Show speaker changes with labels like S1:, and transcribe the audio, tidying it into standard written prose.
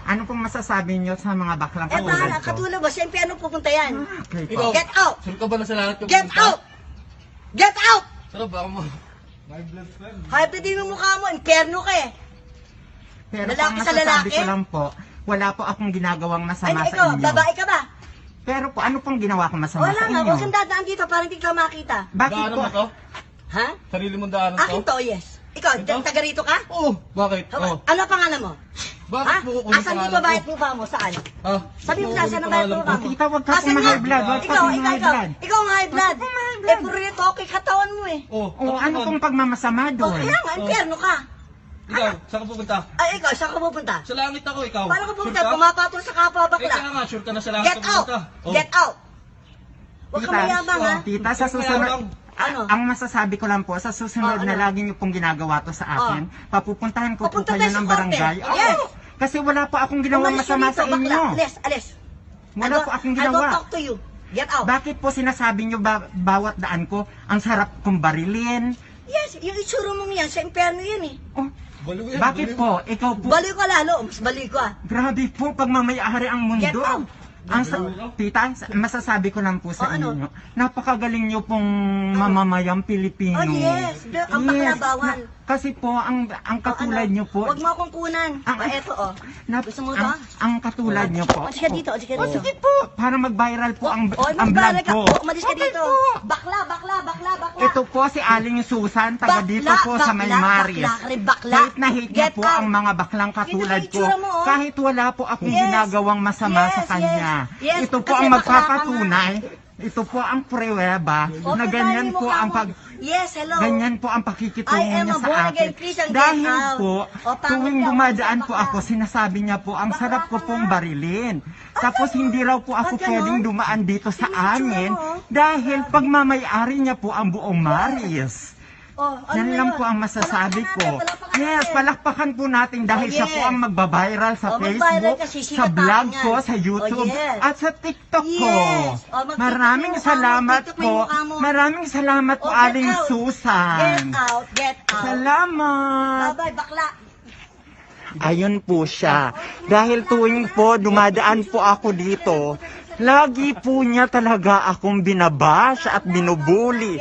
S1: Ano pong masasabi niyo sa mga baklang
S2: Eh,
S1: katulad
S2: bahala,
S1: ko?
S2: katulad mo. Siyempre, ano pupunta yan?
S1: Okay po.
S3: Ikaw,
S2: Get out!
S3: saan ka ba na sa lahat yung
S2: Get out! Get out!
S3: Sarap ba mo?
S2: Hype din yung mukha mo. Impyerno ka eh.
S1: Pero
S2: Lalaki
S1: ang
S2: sa
S1: masasabi
S2: lalaki?
S1: ko lang po, wala po akong ginagawang
S2: Ay,
S1: masama sa
S2: ikaw,
S1: inyo.
S2: babae ka ba?
S1: Pero po, ano pong ginawa ko masama
S2: Wala
S1: sa
S2: nga,
S1: inyo?
S2: huwag kang dadaan dito para hindi ka makita.
S1: Bakit
S3: Daanan
S1: po?
S3: mo to?
S2: Ha?
S3: Sarili mong daanan
S2: Akin
S3: to?
S2: to, yes. Ikaw,
S3: Ito?
S2: taga rito ka?
S3: Oo. Bakit? Oo.
S2: Ano ang pangalan mo?
S3: Bakit
S2: Ha?
S3: mo kukunin
S2: Asan
S3: pangalan
S2: dito bayad
S3: ko?
S2: mukha mo? Saan?
S3: Ha?
S2: Sabi mo
S3: Bakit
S2: na, saan ang bayad
S3: pangalan
S2: mukha
S3: ko?
S2: mo?
S1: Tita, wag ka
S2: Asan
S1: pong
S2: nga?
S1: high blood. Wag ka
S2: Ikaw,
S1: pong high blood.
S2: Ikaw ang high blood. Eh, puro rito, okay katawan mo eh.
S3: Oo.
S1: O, ano pong pagmamasama
S2: O,
S1: doon?
S2: kaya nga, impyerno ka.
S3: Ikaw, saan ka pupunta?
S2: Ay, ikaw, saan ka pupunta?
S3: Sa langit ako, ikaw.
S2: Paano ka pupunta?
S3: Sure ka?
S2: Pumapatol sa kapwa
S3: Eh,
S2: bakla.
S3: kaya nga, sure ka na sa langit
S2: Get
S3: ka
S2: out!
S3: pupunta. Oh.
S2: Get out! Huwag ka
S1: Tita,
S2: mayabang ha.
S1: Tita, sa
S3: Kaya lang.
S1: susunod,
S2: Ano?
S1: ang masasabi ko lang po, sa susunod
S2: Oh,
S1: na
S2: ano?
S1: lagi niyo pong ginagawa to sa akin, papupuntahan ko po
S2: Papunta
S1: kayo
S2: tayo sa
S1: ng
S2: korte.
S1: barangay. Oo.
S2: Yes.
S1: Kasi wala po akong ginawang
S2: Umalis ka
S1: masama
S2: dito,
S1: sa inyo.
S2: bakla. Alis, alis.
S1: Wala po akong
S2: I don't
S1: ginawa.
S2: talk to you. Get out.
S1: Bakit po sinasabi niyo bawat daan ko, ang sarap kong barilin?
S2: Yes, yung itsura mong yan, sa impyerno yan eh.
S1: Oh,
S3: Baliw yan,
S1: bakit
S3: baliw.
S1: po? Ikaw po,
S2: Baliw ka lalo, mas baliw ka.
S1: grabe po, pagmamayari ang mundo.
S2: Get out.
S1: Tita, masasabi ko lang po sa
S2: Oh, ano?
S1: inyo, napakagaling niyo pong mamamayang Pilipino.
S2: Oh yes, ang bakla bawal.
S1: Kasi po, ang katulad niyo po,
S2: Huwag mo akong kunan. Eto oh. Gusto mo to?
S1: ang katulad niyo po.
S2: Umalis ka dito, umalis ka
S1: Oh,
S2: dito.
S1: sige po, para mag-viral po ang
S2: Oh,
S1: vlog
S2: magbalag ka.
S1: ko.
S2: Oh, umalis ka
S1: Okay
S2: dito.
S1: po.
S2: Bakla.
S1: Ito po si Aling Susan, taga dito po sa May Maris.
S2: Bakla ka rin, bakla.
S1: Hate na hate niya
S2: Get
S1: po
S2: out.
S1: ang mga baklang katulad
S2: Ito
S1: ko.
S2: yung itsura mo, oh.
S1: Kahit wala po akong
S2: Yes.
S1: ginagawang masama
S2: Yes,
S1: sa kanya.
S2: yes.
S1: Ito po
S2: Kasi
S1: ang
S2: bakla ka
S1: magpapatunay. Ito po ang pruweba na
S2: Okay,
S1: ganyan
S2: tayo
S1: po
S2: mo
S1: ang
S2: ka mo. Yes, hello.
S1: ganyan po ang pakikitungo
S2: I am
S1: niya
S2: a
S1: sa
S2: born
S1: akin.
S2: again Christian, get
S1: Dahil
S2: out.
S1: po,
S2: O, pangit
S1: tuwing
S2: ka,
S1: dumadaan
S2: bakla
S1: po
S2: ka.
S1: ako, sinasabi niya po, ang
S2: Bakla
S1: sarap ko
S2: ka
S1: pong
S2: nga.
S1: barilin. Tapos hindi raw po ako
S2: Ba't ganon?
S1: pwedeng dumaan dito sa
S2: Yung itsura
S1: amin
S2: mo, oh.
S1: dahil pagmamayari niya po ang buong Maris.
S2: Oh, ano
S1: Yan
S2: na
S1: lang
S2: yun?
S1: po ang masasabi ko.
S2: Palakpakan
S1: Yes,
S2: natin.
S1: palakpakan po natin dahil
S2: Oh,
S1: siya po
S2: yes.
S1: ang magbabiral sa
S2: Oh, magbabiral
S1: Facebook,
S2: kasi
S1: sa
S2: sikat
S1: vlog
S2: tayo
S1: ko,
S2: yan.
S1: sa YouTube,
S2: Oh, yes.
S1: at sa TikTok ko.
S2: Yes. Oh, mag-TikTok
S1: Maraming
S2: mo yung mukha mo,
S1: salamat
S2: TikTok mo
S1: po.
S2: yung mukha mo.
S1: Maraming salamat po,
S2: Oh, get
S1: Aling
S2: out.
S1: Susan.
S2: Get out, get out.
S1: Salamat.
S2: Bye-bye, bakla.
S1: Ayun po siya. Dahil tuwing po dumadaan po ako dito, lagi po niya talaga akong binabash at binubuli.